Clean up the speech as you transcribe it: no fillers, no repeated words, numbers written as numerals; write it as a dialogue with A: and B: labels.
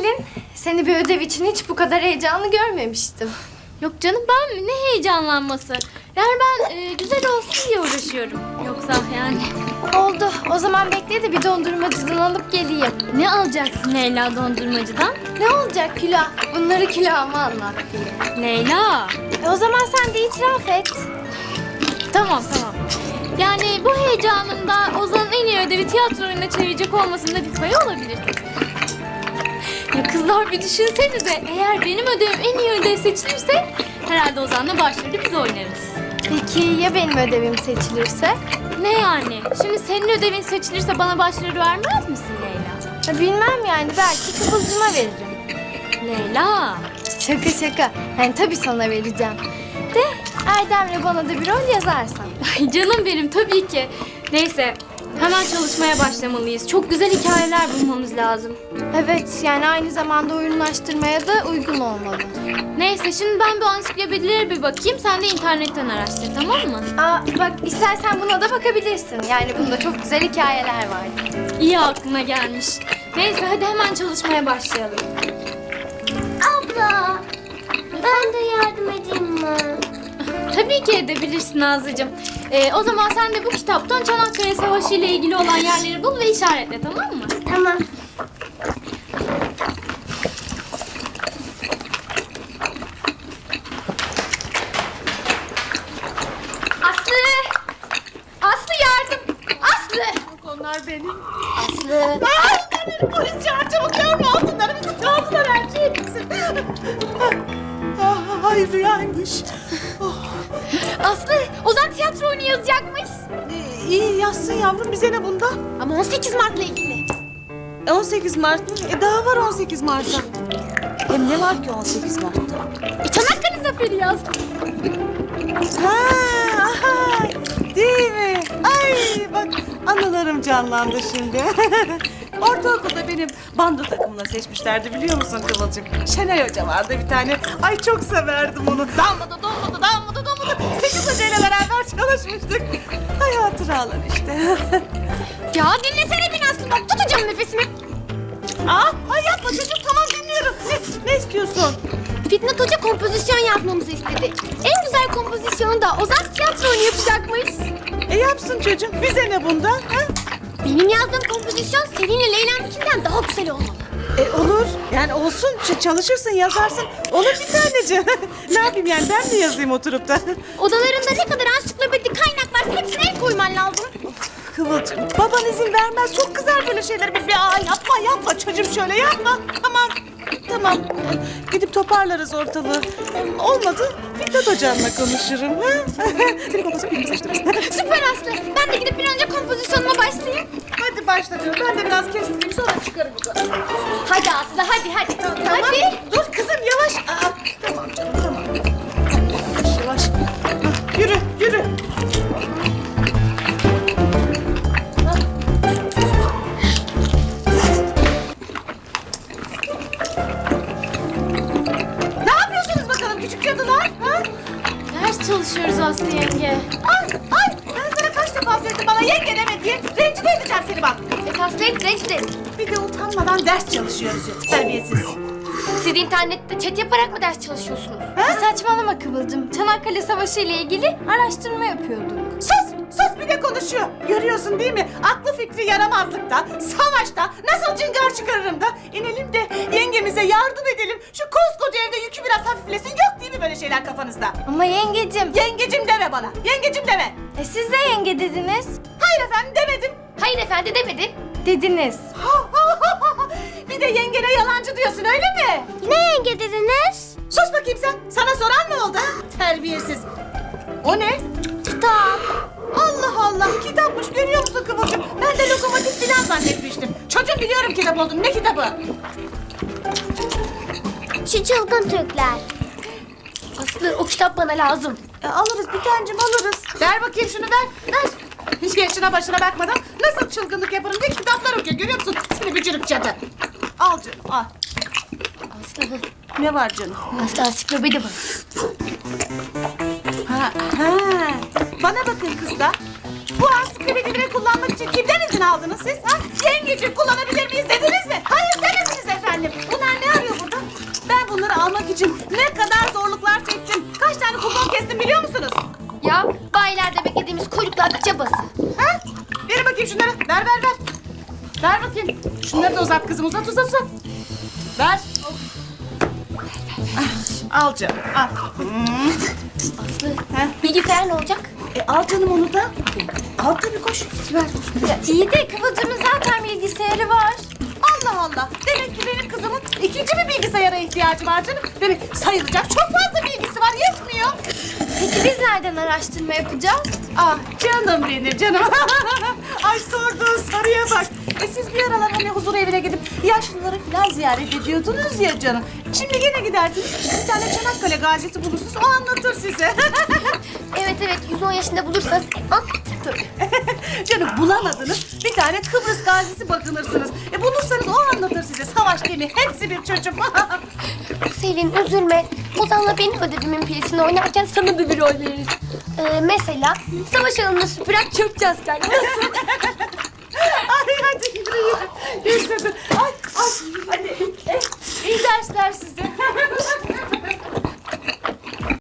A: Selin, seni bir ödev için hiç bu kadar heyecanlı görmemiştim.
B: Yok canım, ben ne heyecanlanması. Yani ben güzel olsun diye uğraşıyorum. Yoksa yani.
A: Oldu. O zaman bekle de bir dondurmacıdan alıp geleyim.
B: Ne alacaksın Leyla dondurmacıdan?
A: Ne olacak Külah? Bunları külahıma anlat diye.
B: Leyla.
A: O zaman sen de itiraf et.
B: Tamam. Yani bu heyecanımda Ozan'ın en iyi ödevi tiyatro oyununa çevirecek olmasında bir payı olabilir. Ya kızlar bir düşünsenize. Eğer benim ödevim en iyi ödev seçilirse herhalde Ozan'la başrolü biz oynarız.
A: Peki ya benim ödevim seçilirse?
B: Ne yani? Şimdi senin ödevin seçilirse bana başrolü vermez misin Leyla?
A: Ya bilmem yani. Belki Kıvılcım'a veririm.
B: Leyla.
A: Şaka. Yani tabii sana vereceğim. De Erdem'le bana da bir rol yazarsan.
B: Ay canım benim, tabii ki. Neyse, hemen çalışmaya başlamalıyız. Çok güzel hikayeler bulmamız lazım.
A: Evet, yani aynı zamanda oyunlaştırmaya da uygun olmalı.
B: Neyse, şimdi ben bu ansiklopedilere bir bakayım. Sen de internetten araştır, tamam mı?
A: Bak istersen buna da bakabilirsin. Yani bunda çok güzel hikayeler var.
B: İyi aklına gelmiş. Neyse, hadi hemen çalışmaya başlayalım.
C: Abla, ben de yardım edeyim mi?
B: Tabii ki edebilirsin Nazlıcığım. O zaman sen de bu kitaptan Çanakkale Savaşı ile ilgili olan yerleri bul ve işaretle, tamam mı?
C: Tamam.
A: Aslı yardım! Aslı!
D: Onlar benim.
A: Aslı!
D: Polis çağır çabuk görme altınlarımızı çaldılar her şeyimizi. Ay rüyaymış.
A: Aslı! Ozan tiyatro oyunu yazacakmış.
D: İyi yazsın yavrum bize ne bundan?
A: Ama 18 Mart'la ilgili.
D: 18 Mart mı? Daha var 18 Mart'ta. Hem ne var ki 18 Mart'ta?
A: Çanakkale Zaferi yaz.
D: Ha, değil mi? Ay bak anılarım canlandı şimdi. Ortaokulda benim bando takımına seçmişlerdi biliyor musun Kıvılcım? Şenay Hoca vardı bir tane. Ay çok severdim onu. Damladı. 8 hocayla beraber çalışmıştık. Ay hatıralar işte.
A: Ya dinlesene beni Aslı, bak tutacağım nefesimi.
D: Ay yapma çocuğum tamam dinliyorum. Ne istiyorsun?
A: Fitnat Hoca kompozisyon yazmamızı istedi. En güzel kompozisyonu da Ozan tiyatro oyunu yapacakmış.
D: Yapsın çocuğum. Bize ne bundan? Ha?
A: Benim yazdığım kompozisyon Selin'le Leyla'nınkinden daha güzel olmalı.
D: Olur. Yani olsun. Çalışırsın, yazarsın. Olur bir taneciğim. Ne yapayım yani ben mi yazayım oturup da?
A: Odalarında ne kadar ansiklopedi kaynak varsa hepsine el koyman lazım.
D: Kıvılcım, baban izin vermez. Çok kızar böyle şeyler. Yapma çocuğum şöyle yapma. Tamam. Gidip toparlarız ortalığı. Olmadı, Fitnat Hocam'la konuşurum. Ha? Seni kompozisyon birimi seçtiririz.
A: Süper Aslı. Ben de gidip bir an önce kompozisyonuma başlayayım.
D: Hadi başla canım. Ben de biraz kestireyim sonra çıkarım yukarı.
A: Hadi Aslı hadi.
D: Tamam.
A: Hadi.
D: Dur kızım yavaş. Tamam canım tamam. Yavaş. Yürü. Ne yapıyorsunuz bakalım küçük cadılar? Ha?
B: Ders çalışıyoruz Aslı yenge.
D: Ay ben sana kaç defa söyledim bana yenge deme diye. Rencide edeceğim seni bak.
A: Aslı hep rencide.
D: Bir de utanmadan ders çalışıyoruz ya. Terbiyesiz.
A: Siz internette chat yaparak mı ders çalışıyorsunuz? Saçmalama Kıvılcım. Çanakkale Savaşı ile ilgili araştırma yapıyorduk.
D: Sus bir de konuşuyor. Görüyorsun değil mi? Aklı fikri yaramazlıkta, savaşta, nasıl cıngar çıkarırım da inelim de yengemize yardım edelim. Şu koskoca evde yükü biraz hafiflesin. Yok değil mi böyle şeyler kafanızda?
A: Ama yengecim.
D: Yengecim deme bana. Yengecim deme.
A: Siz de yenge dediniz.
D: Hayır efendim demedim.
A: Hayır efendi demedim. Dediniz.
D: Bir de yengene yalancı diyorsun öyle mi?
A: Ne yenge dediniz?
D: Sus bakayım sen. Sana soran mı oldu? Ha? Terbiyesiz. O ne?
A: Kitap.
D: Allah kitapmış görüyor musun Kıvılcım? Ben de lokomotif falan zannetmiştim. Çocuğum biliyorum kitap olduğunu. Ne kitabı?
A: Şu çılgın Türkler. Aslı o kitap bana lazım.
D: Alırız bir tancım alırız. Ver bakayım şunu ver. Hiç yaşına başına bakmadan nasıl çılgınlık yaparım diye kitaplar okuyor görüyor musun? Seni bücürük cadı. Al canım al.
A: Aslı.
D: Ne var canım?
A: Aslı ansiklopedi var.
D: Ha. Bana bakın kızlar. Bu ansiklopedileri kullanmak için kimden izin aldınız siz? Ha? Yengeciğim kullanabilir miyiz dediniz mi? Hayır demediniz efendim. Bunlar için ne kadar zorluklar çektim. Kaç tane kupon kestim biliyor musunuz?
A: Ya bayilerde beklediğimiz kuyruklarda çabası.
D: Ha? Verin bakayım şunları. Ver. Ver bakayım. Şunları da uzat kızım. Uzat. Ver. Al canım. Al.
A: Aslı,
D: Ha?
A: bilgisayar ne olacak?
D: Al canım onu da. Al tabii koş. Ver.
A: Ya iyi de Kıvılcım'ın zaten bilgisayarı var.
D: Allah. Demek ki benim kızımın ikinci bir bilgisayara ihtiyacı var canım. Demek sayılacak çok fazla bilgisi var. Yetmiyor.
A: Peki biz nereden araştırma yapacağız?
D: Ah canım benim canım. Ay sorduğun soruya bak. Siz bir aralar hani huzur evine gidip yaşlıları falan ziyaret ediyordunuz ya canım. Şimdi gene gidersiniz. Bir tane Çanakkale gazisi bulursunuz. O anlatır size.
A: Evet 110 yaşında bulursanız anlatır tabii.
D: Canım bulamadınız. Bir tane Kıbrıs gazisi bakınırsınız. Bulursanız o anlatır size. Savaş gemi. Hepsi bir çocuk.
A: Selin üzülme. Ozan'la benim ödevimin pilisini oynarken sana da bir rol veririz. Mesela savaş alanına süpüren çöpçü asker. Nasıl?
D: Ay hadi yürü. Yaşasın. Ay hadi. İyi dersler size.